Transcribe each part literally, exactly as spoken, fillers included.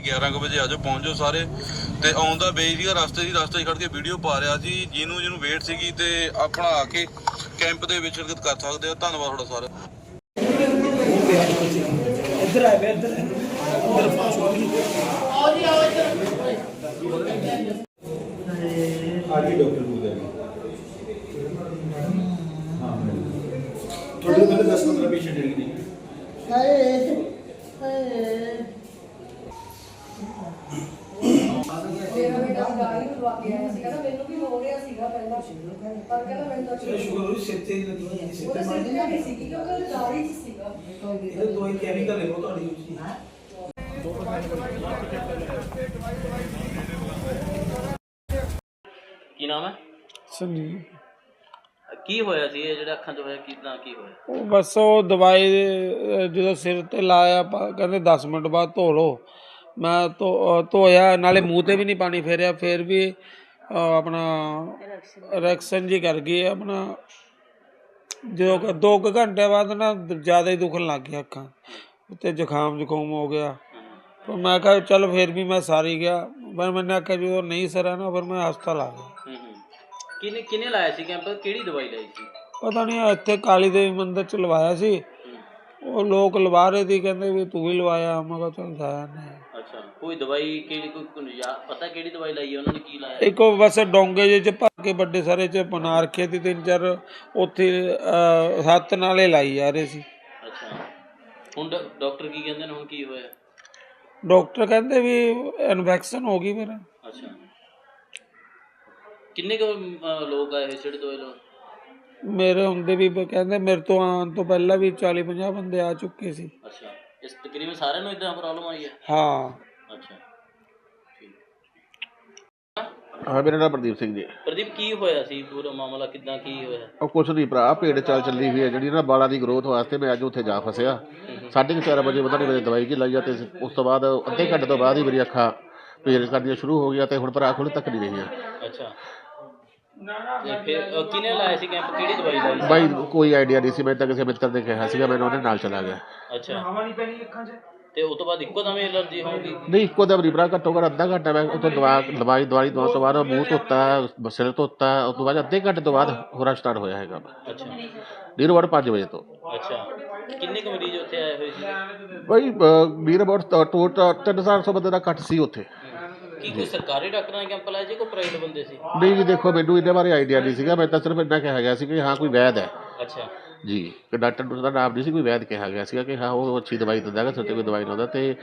ਗਿਆਰਾਂ ਕੁ ਵਜੇ ਆ ਜਾਓ, ਪਹੁੰਚ ਜਾਓ ਸਾਰੇ। ਤੇ ਆਉਂਦਾ ਬਈ ਸੀਗਾ ਰਸਤੇ ਦੀ ਰਸਤੇ 'ਚ ਖੜ੍ਹ ਕੇ ਵੀਡੀਓ ਪਾ ਰਿਹਾ ਸੀ, ਜਿਹਨੂੰ ਜਿਹਨੂੰ ਵੇਟ ਸੀਗੀ ਤੇ ਆਪਣਾ ਆ ਕੇ ਕੈਂਪ ਦੇ ਵਿੱਚ ਸ਼ਿਰਕਤ ਕਰ ਸਕਦੇ ਹੋ। ਧੰਨਵਾਦ ਤੁਹਾਡਾ ਸਾਰਾ। ਇੱਧਰ ਆਏ ਵੇ ਇੱਧਰ ਇੱਧਰ ਆਓ ਜੀ, ਆਓ ਇੱਧਰ आज ही डॉक्टर बोल रहे हाँ थोड़े पहले दस पंद्रह पेशेंट है कि ਮੇਰਾ ਬੇਟਾ ਗਾੜੀ ਨੂੰ ਲਵਾ ਕੇ ਆਇਆ ਸੀਗਾ ਨਾ, ਮੈਨੂੰ ਵੀ ਹੋ ਰਿਹਾ ਸੀਗਾ ਪਹਿਲਾਂ, ਪਰ ਕਹਿੰਦਾ ਮੈਨੂੰ ਤਾਂ ਚਲੋ ਸ਼ੁਕਰ ਹੋਈ ਸਿੱਤੇ ਦੀ ਲੱਗੀ ਹੋਈ ਸਿੱਤੇ ਉਹਦੇ ਮਾਰ ਸਿਰ ਤੇ ਨਹੀਂ ਸੀਗੀ ਕਿਉਂਕਿ ਉਹਦੇ ਦਾੜੀ 'ਚ ਸੀਗਾ। ਇਹ ਦਵਾਈ ਕੈਮੀਕਲ ਹੈ ਉਹ ਤੁਹਾਡੀ ਉੱਚੀ ਕੀ ਨਾਮ ਹੈ? ਸੰਜੀਵ। ਕੀ ਹੋਇਆ ਸੀ ਇਹ ਜਿਹੜਾ ਅੱਖਾਂ 'ਚ ਹੋਇਆ, ਕਿੱਦਾਂ ਕੀ ਹੋਇਆ? ਉਹ ਬਸ ਉਹ ਦਵਾਈ ਅਹ ਜਦੋਂ ਸਿਰ ਤੇ ਲਾਇਆ ਆਪਾਂ ਕਹਿੰਦੇ ਦਸ ਮਿੰਟ ਬਾਅਦ ਧੋ ਲਓ। ਮੈਂ ਧੋ ਧੋਇਆ, ਨਾਲੇ ਮੂੰਹ 'ਤੇ ਵੀ ਨਹੀਂ ਪਾਣੀ ਫੇਰਿਆ, ਫਿਰ ਵੀ ਅਹ ਆਪਣਾ ਰਿਐਕਸ਼ਨ ਜੀ ਕਰ ਗਈ ਆਪਣਾ। ਜਦੋਂ ਕੁ- ਦੋ ਕੁ ਘੰਟੇ ਬਾਅਦ ਨਾ ਜ਼ਿਆਦਾ ਹੀ ਦੁਖਣ ਲੱਗ ਗਿਆ ਅੱਖਾਂ ਅਤੇ ਜ਼ੁਕਾਮ ਜ਼ੁਕਾਮ ਹੋ ਗਿਆ। ਪਰ ਮੈਂ ਕਿਹਾ ਚੱਲ ਫਿਰ ਵੀ ਮੈਂ ਸਾਰੀ ਗਿਆ, ਪਰ ਮੈਨੇ ਆਖਿਆ ਜਦੋਂ ਨਹੀਂ ਸਰਿਆ ਨਾ ਫਿਰ ਮੈਂ ਹਸਪਤਾਲ ਆ ਗਿਆ। ਹੂੰ ਹੂੰ ਕਿਹਨੇ ਕਿਹਨੇ ਲਾਇਆ ਸੀ ਕੈਂਪ? ਕਿਹੜੀ ਦਵਾਈ ਲਾਈ ਸੀ? ਪਤਾ ਨਹੀਂ ਇੱਥੇ ਕਾਲੀ ਦੇਵੀ ਮੰਦਿਰ 'ਚ ਲਵਾਇਆ ਸੀ। ਉਹ ਲੋਕ ਲਵਾ ਰਹੇ ਸੀ, ਕਹਿੰਦੇ ਵੀ ਤੂੰ ਵੀ ਲਵਾਇਆ। ਮੈਂ ਕਿਹਾ ਚੱਲ ਜਾਇਆ ਨਹੀਂ। ਅੱਛਾ, ਕੋਈ ਦਵਾਈ ਕਿਹੜੀ ਕੋਈ ਕੋਈ ਯਾ- ਪਤਾ ਕਿਹੜੀ ਦਵਾਈ ਲਾਈ ਹੈ ਉਹਨਾਂ ਨੇ, ਕੀ ਲਾਇਆ? ਇੱਕ ਉਹ ਬਸ ਡੋਂਗੇ ਜਿਹੇ 'ਚ ਭਰ ਕੇ ਵੱਡੇ ਸਾਰੇ 'ਚ ਬਣਾ ਰੱਖੇ ਸੀ ਤਿੰਨ ਚਾਰ, ਉੱਥੇ ਅਹ, ਹੱਥ ਨਾਲੇ ਲਾਈ ਜਾ ਰਹੇ ਸੀ। ਅੱਛਾ, ਹੁਣ ਡਾ- ਡਾਕਟਰ ਕੀ ਕਹਿੰਦੇ ਨੇ, ਹੁਣ ਕੀ ਹੋਇਆ? ਡਾਕਟਰ ਕਹਿੰਦੇ ਵੀ ਇਨਫੈਕਸ਼ਨ ਹੋ ਗਈ ਮੇਰਾ। ਅੱਛਾ, ਕਿੰਨੇ ਕੁ ਅਹ, ਲੋਕ ਆਏ ਹੋਏ ਜਿਹੜੇ ਦਵਾਈ ਲਾਉਣ? ਮੇਰੇ ਹੁੰਦੇ ਵੀ ਬ- ਕਹਿੰਦੇ ਮੇਰੇ ਤੋਂ ਆਉਣ ਤੋਂ ਪਹਿਲਾਂ ਵੀ ਚਾਲੀ ਪੰਜਾਹ ਬੰਦੇ ਆ ਚੁੱਕੇ ਸੀ। ਅੱਛਾ, ਇਸ ਤਕਰੀਬਨ ਸਾਰਿਆਂ ਨੂੰ ਇਦਾਂ ਪ੍ਰੋਬਲਮ ਆਈ ਹੈ? ਹਾਂ। ਅੱਛਾ ਠੀਕ। ਹਾਂ ਮੇਰਾ ਨਾਮ ਪ੍ਰਦੀਪ ਸਿੰਘ ਜੀ। ਪ੍ਰਦੀਪ, ਕੀ ਹੋਇਆ ਸੀ ਪੂਰਾ ਮਾਮਲਾ, ਕਿੱਦਾਂ ਕੀ ਹੋਇਆ? ਉਹ ਕੁਛ ਨਹੀਂ ਭਰਾ, ਭੇਡ ਚਾਲ ਚੱਲੀ ਹੋਈ ਹੈ ਜਿਹੜੀ ਨਾ ਬਾਲਾਂ ਦੀ ਗਰੋਥ ਵਾਸਤੇ। ਮੈਂ ਅੱਜ ਉੱਥੇ ਜਾ ਫਸਿਆ ਸਾਢੇ ਕੁ ਚਾਰ ਵਜੇ, ਪਤਾ ਨਹੀਂ ਮੇਰੇ ਦਵਾਈ ਕੀ ਲਾਈ ਆ, ਅਤੇ ਉਸ ਤੋਂ ਬਾਅਦ ਅੱਧੇ ਘੰਟੇ ਤੋਂ ਬਾਅਦ ਹੀ ਮੇਰੀ ਅੱਖਾਂ ਪੇਰ ਕਰਨੀਆਂ ਸ਼ੁਰੂ ਹੋ ਗਈਆਂ, ਅਤੇ ਹੁਣ ਭਰਾ ਖੁੱਲ੍ਹ ਤੱਕ ਨਹੀਂ ਰਹੀਆਂ। ਅੱਛਾ, ਤੇ ਫਿਰ ਅਹ, ਕਿਹਨੇ ਲਾਇਆ ਸੀ ਕੈਂਪ, ਕਿਹੜੀ ਦਵਾਈ ਲਾਈ ਸੀ? ਬਾਈ ਕੋਈ ਆਈਡੀਆ ਨਹੀਂ ਸੀ, ਮੈਂ ਤਾਂ ਕਿਸੇ ਮਿੱਤਰ ਨੇ ਕਿਹਾ ਸੀਗਾ, ਮੈਨੂੰ ਉਹਦੇ ਨਾਲ ਚਲਾ ਗਿਆ। ਅੱਛਾ, ਹਵਾ ਨਹੀਂ ਪੈਣੀ ਅੱਖਾਂ 'ਚ। ਤੇ ਉਸ ਤੋਂ ਬਾਅਦ ਇੱਕੋ ਦਮ ਐਲਰਜੀ ਹੋਊਗੀ? ਨਹੀਂ ਇੱਕੋ ਦਮ ਨਹੀਂ ਭਰਾ, ਘੱਟੋ ਘੱਟ ਅੱਧਾ ਘੰਟਾ ਮੈਂ ਉੱਥੋਂ ਦਵਾ ਦਵਾਈ ਦਵਾਈ ਦਵਾਉਣ ਤੋਂ ਬਾਅਦ ਮੂੰਹ ਧੋਤਾ, ਸਿਰ ਧੋਤਾ, ਉਸ ਤੋਂ ਬਾਅਦ ਅੱਧੇ ਘੰਟੇ ਤੋਂ ਬਾਅਦ ਹੋਰਾ ਸਟਾਰਟ ਹੋਇਆ ਹੈਗਾ। ਅੱਛਾ ਨੀਰੋ ਵੜ ਪੰਜ ਵਜੇ ਤੋਂ। ਅੱਛਾ, ਕਿੰਨੇ ਕੁ ਮਰੀਜ਼ ਉੱਥੇ ਆਏ ਹੋਏ ਸੀ? ਬਾਈ ਨੀਰ ਅਬਾਊਟ ਟੋਟਲ ਤਿੰਨ ਚਾਰ ਸੌ ਬੰਦੇ ਦਾ ਘੱਟ ਸੀ ਉੱਥੇ। ਕੀ ਕੋਈ ਸਰਕਾਰੀ ਡਾਕਟਰਾਂ ਨੇ ਕੈਂਪ ਲਾਇਆ ਜੀ, ਕੋਈ ਪ੍ਰਾਈਵੇਟ ਬੰਦੇ ਸੀ? ਨਹੀਂ ਜੀ ਦੇਖੋ, ਮੈਨੂੰ ਇਹਦੇ ਬਾਰੇ ਆਈਡੀਆ ਨਹੀਂ ਸੀਗਾ, ਮੈਂ ਤਾਂ ਸਿਰਫ ਇੰਨਾ ਕਿਹਾ ਗਿਆ ਸੀ ਕਿ ਹਾਂ ਕੋਈ ਵੈਦ ਹੈ ਅੱਛਾ ਜੀ, ਕਿ ਡਾਕਟਰ ਦਾ ਨਾਮ ਨਹੀਂ ਸੀ, ਕੋਈ ਵੈਦ ਕਿਹਾ ਗਿਆ ਸੀਗਾ ਕਿ ਹਾਂ ਉਹ ਅੱਛੀ ਦਵਾਈ ਦਿੰਦਾ ਹੈਗਾ, ਸਿਰ 'ਤੇ ਕੋਈ ਦਵਾਈ ਲਾਉਂਦਾ। ਅਤੇ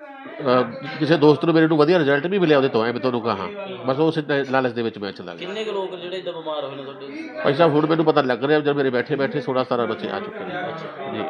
ਕਿਸੇ ਦੋਸਤ ਨੂੰ ਮੇਰੇ ਨੂੰ ਵਧੀਆ ਰਿਜ਼ਲਟ ਵੀ ਮਿਲਿਆ ਉਹਦੇ ਤੋਂ, ਐ ਮੈਂ ਤੁਹਾਨੂੰ ਕਹਾਂ, ਬਸ ਉਸ ਲਾਲਚ ਦੇ ਵਿੱਚ ਮੈਂ ਚਲਾ ਗਿਆ। ਕਿੰਨੇ ਕੁ ਲੋਕ ਜਿਹੜੇ ਇੱਦਾਂ ਬਿਮਾਰ ਹੋਏ ਨੇ ਤੁਹਾਡੇ? ਭਾਈ ਸਾਹਿਬ ਹੁਣ ਮੈਨੂੰ ਪਤਾ ਲੱਗ ਰਿਹਾ, ਜਦ ਮੇਰੇ ਬੈਠੇ ਬੈਠੇ ਸੋਲਾਂ ਸਤਾਰਾਂ ਬੱਚੇ ਆ ਚੁੱਕੇ ਨੇ ਜੀ।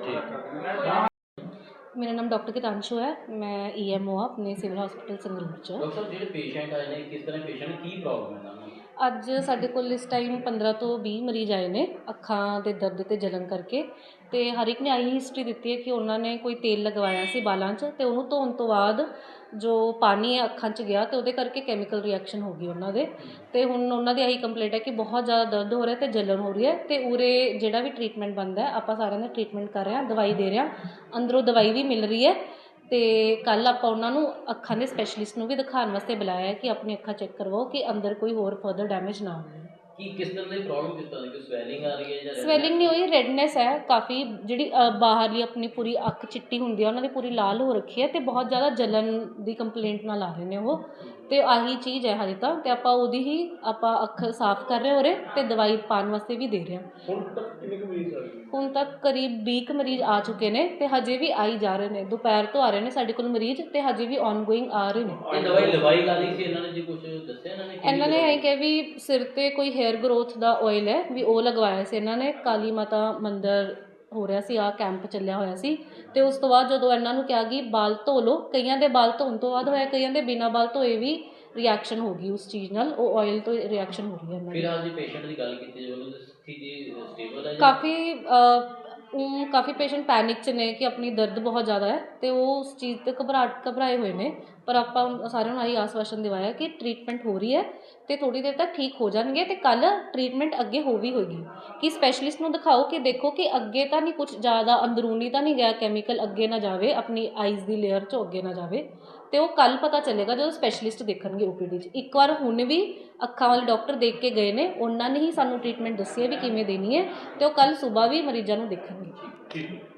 ਠੀਕ। ਮੇਰਾ ਨਾਮ ਡਾਕਟਰ ਕਿਤਾਂਸ਼ੂ ਹੈ, ਮੈਂ ਈ ਐਮ ਓ ਆਪਣੇ ਸਿਵਲ ਹਸਪੀਟਲ ਸੰਗਰੂਰ 'ਚ। ਡਾਕਟਰ ਸਾਹਿਬ, ਜਿਹੜੇ ਪੇਸ਼ੈਂਟ ਆਏ ਨੇ, ਕਿਸ ਤਰ੍ਹਾਂ ਪੇਸ਼ੈਂਟ, ਕੀ ਪ੍ਰੋਬਲਮ ਹੈ ਇਹਨਾਂ ਨੂੰ? ਅੱਜ ਸਾਡੇ ਕੋਲ ਇਸ ਟਾਈਮ ਪੰਦਰਾਂ ਤੋਂ ਵੀਹ ਮਰੀਜ਼ ਆਏ ਨੇ ਅੱਖਾਂ ਦੇ ਦਰਦ ਅਤੇ ਜਲਨ ਕਰਕੇ, ਅਤੇ ਹਰ ਇੱਕ ਨੇ ਆਹੀ ਹਿਸਟਰੀ ਦਿੱਤੀ ਹੈ ਕਿ ਉਹਨਾਂ ਨੇ ਕੋਈ ਤੇਲ ਲਗਵਾਇਆ ਸੀ ਬਾਲਾਂ 'ਚ, ਅਤੇ ਉਹਨੂੰ ਧੋਣ ਤੋਂ ਬਾਅਦ ਜੋ ਪਾਣੀ ਹੈ ਅੱਖਾਂ 'ਚ ਗਿਆ, ਅਤੇ ਉਹਦੇ ਕਰਕੇ ਕੈਮੀਕਲ ਰਿਐਕਸ਼ਨ ਹੋ ਗਈ ਉਹਨਾਂ ਦੇ। ਅਤੇ ਹੁਣ ਉਹਨਾਂ ਦੀ ਇਹੀ ਕੰਪਲੇਂਟ ਹੈ ਕਿ ਬਹੁਤ ਜ਼ਿਆਦਾ ਦਰਦ ਹੋ ਰਿਹਾ ਅਤੇ ਜਲਨ ਹੋ ਰਹੀ ਹੈ, ਅਤੇ ਉਰੇ ਜਿਹੜਾ ਵੀ ਟਰੀਟਮੈਂਟ ਬਣਦਾ ਆਪਾਂ ਸਾਰਿਆਂ ਦਾ ਟਰੀਟਮੈਂਟ ਕਰ ਰਹੇ ਹਾਂ, ਦਵਾਈ ਦੇ ਰਹੇ ਹਾਂ, ਅੰਦਰੋਂ ਦਵਾਈ ਵੀ ਮਿਲ ਰਹੀ ਹੈ। ਅਤੇ ਕੱਲ੍ਹ ਆਪਾਂ ਉਹਨਾਂ ਨੂੰ ਅੱਖਾਂ ਦੇ ਸਪੈਸ਼ਲਿਸਟ ਨੂੰ ਵੀ ਦਿਖਾਉਣ ਵਾਸਤੇ ਬੁਲਾਇਆ ਹੈ ਕਿ ਆਪਣੀ ਅੱਖਾਂ ਚੈੱਕ ਕਰਵਾਓ ਕਿ ਅੰਦਰ ਕੋਈ ਹੋਰ ਫਰਦਰ ਡੈਮੇਜ ਨਾ ਹੋਵੇ। ਕੀ ਕਿਸ ਤਰ੍ਹਾਂ ਦੀ ਪ੍ਰੋਬਲਮ, ਕਿਸ ਤਰ੍ਹਾਂ ਦੀ, ਕੋਈ ਸਵੈਲਿੰਗ ਆ ਰਹੀ ਹੈ ਜਾਂ? ਸਵੈਲਿੰਗ ਨਹੀਂ ਹੋਈ, ਰੈਡਨੈਸ ਹੈ ਕਾਫੀ, ਜਿਹੜੀ ਅ, ਬਾਹਰਲੀ ਆਪਣੀ ਪੂਰੀ ਅੱਖ ਚਿੱਟੀ ਹੁੰਦੀ ਹੈ, ਉਹਨਾਂ ਦੀ ਪੂਰੀ ਲਾਲ ਹੋ ਰੱਖੀ ਹੈ, ਅਤੇ ਬਹੁਤ ਜ਼ਿਆਦਾ ਜਲਨ ਦੀ ਕੰਪਲੇਂਟ ਨਾਲ ਆ ਰਹੇ ਨੇ ਉਹ, ਅਤੇ ਆਹੀ ਚੀਜ਼ ਹੈ ਹਜੇ ਤਾਂ। ਅਤੇ ਆਪਾਂ ਉਹਦੀ ਹੀ ਆਪਾਂ ਅੱਖ ਸਾਫ਼ ਕਰ ਰਹੇ ਹੋ ਰਹੇ, ਅਤੇ ਦਵਾਈ ਪਾਉਣ ਵਾਸਤੇ ਵੀ ਦੇ ਰਹੇ ਹਾਂ। ਹੁਣ ਤੱਕ ਕਿੰਨੇ ਕੁ ਮਰੀਜ਼ ਆ ਗਏ? ਹੁਣ ਤੱਕ ਕਰੀਬ ਵੀਹ ਕੁ ਮਰੀਜ਼ ਆ ਚੁੱਕੇ ਨੇ, ਅਤੇ ਹਜੇ ਵੀ ਆਈ ਜਾ ਰਹੇ ਨੇ, ਦੁਪਹਿਰ ਤੋਂ ਆ ਰਹੇ ਨੇ ਸਾਡੇ ਕੋਲ ਮਰੀਜ਼, ਅਤੇ ਹਜੇ ਵੀ ਔਨਗੋਇੰਗ ਆ ਰਹੇ ਨੇ। ਇਹ ਦਵਾਈ ਲਵਾਈ ਲਾ ਲਈ ਸੀ ਇਹਨਾਂ ਨੇ ਜੀ, ਕੁਝ ਦੱਸਿਆ ਇਹਨਾਂ ਨੇ? ਇਹਨਾਂ ਨੇ ਇਹ ਕਿਹਾ ਵੀ ਸਿਰ 'ਤੇ ਕੋਈ ਹੇਅਰ ਗਰੋਥ ਦਾ ਆਇਲ ਹੈ, ਵੀ ਉਹ ਲਗਵਾਇਆ ਸੀ ਇਹਨਾਂ ਨੇ। ਕਾਲੀ ਮਾਤਾ ਮੰਦਰ ਹੋ ਰਿਹਾ ਸੀ, ਆਹ ਕੈਂਪ ਚੱਲਿਆ ਹੋਇਆ ਸੀ, ਅਤੇ ਉਸ ਤੋਂ ਬਾਅਦ ਜਦੋਂ ਇਹਨਾਂ ਨੂੰ ਕਿਹਾ ਕਿ ਬਾਲ ਧੋ ਲਓ, ਕਈਆਂ ਦੇ ਬਾਲ ਧੋਣ ਤੋਂ ਬਾਅਦ ਹੋਇਆ, ਕਈਆਂ ਦੇ ਬਿਨਾਂ ਬਾਲ ਧੋਏ ਵੀ ਰਿਐਕਸ਼ਨ ਹੋ ਗਈ ਉਸ ਚੀਜ਼ ਨਾਲ, ਉਹ ਆਇਲ ਤੋਂ ਰਿਐਕਸ਼ਨ ਹੋ ਰਹੀ ਹੈ ਇਹਨਾਂ ਦੀ। ਫਿਲਹਾਲ ਜੀ ਪੇਸ਼ੈਂਟ ਦੀ ਗੱਲ ਕੀਤੀ ਜਾਵੇ, ਉਹਦੀ ਸਥਿਤੀ ਸਟੇਬਲ ਹੈ? ਕਾਫੀ ਉਹ ਕਾਫੀ ਪੇਸ਼ੈਂਟ ਪੈਨਿਕ 'ਚ ਨੇ ਕਿ ਆਪਣੀ ਦਰਦ ਬਹੁਤ ਜ਼ਿਆਦਾ ਹੈ, ਅਤੇ ਉਹ ਉਸ ਚੀਜ਼ 'ਤੇ ਘਬਰਾ ਘਬਰਾਏ ਹੋਏ ਨੇ, ਪਰ ਆਪਾਂ ਸਾਰਿਆਂ ਨੂੰ ਆਹੀ ਆਸਵਾਸ਼ਨ ਦਿਵਾਇਆ ਕਿ ਟਰੀਟਮੈਂਟ ਹੋ ਰਹੀ ਹੈ, ਅਤੇ ਥੋੜ੍ਹੀ ਦੇਰ ਤੱਕ ਠੀਕ ਹੋ ਜਾਣਗੇ, ਅਤੇ ਕੱਲ੍ਹ ਟਰੀਟਮੈਂਟ ਅੱਗੇ ਹੋ ਵੀ ਹੋਏਗੀ ਕਿ ਸਪੈਸ਼ਲਿਸਟ ਨੂੰ ਦਿਖਾਓ ਕਿ ਦੇਖੋ ਕਿ ਅੱਗੇ ਤਾਂ ਨਹੀਂ ਕੁਛ ਜ਼ਿਆਦਾ ਅੰਦਰੂਨੀ ਤਾਂ ਨਹੀਂ ਗਿਆ ਕੈਮੀਕਲ, ਅੱਗੇ ਨਾ ਜਾਵੇ ਆਪਣੀ ਆਈਜ਼ ਦੀ ਲੇਅਰ 'ਚੋਂ ਅੱਗੇ ਨਾ ਜਾਵੇ, ਤੇ ਉਹ ਕੱਲ ਪਤਾ ਚੱਲੇਗਾ ਜਦੋਂ ਸਪੈਸ਼ਲਿਸਟ ਦੇਖਣਗੇ ਓਪੀਡੀ 'ਚ। ਇੱਕ ਵਾਰ ਹੁਣ ਵੀ ਅੱਖਾਂ ਵਾਲੇ ਡਾਕਟਰ ਦੇਖ ਕੇ ਗਏ ਨੇ, ਉਹਨਾਂ ਨੇ ਹੀ ਸਾਨੂੰ ਟ੍ਰੀਟਮੈਂਟ ਦੱਸੀ ਹੈ ਵੀ ਕਿਵੇਂ ਦੇਣੀ ਹੈ, ਤੇ ਉਹ ਕੱਲ ਸਵੇਰ ਵੀ ਮਰੀਜ਼ਾਂ ਨੂੰ ਦੇਖਣਗੇ।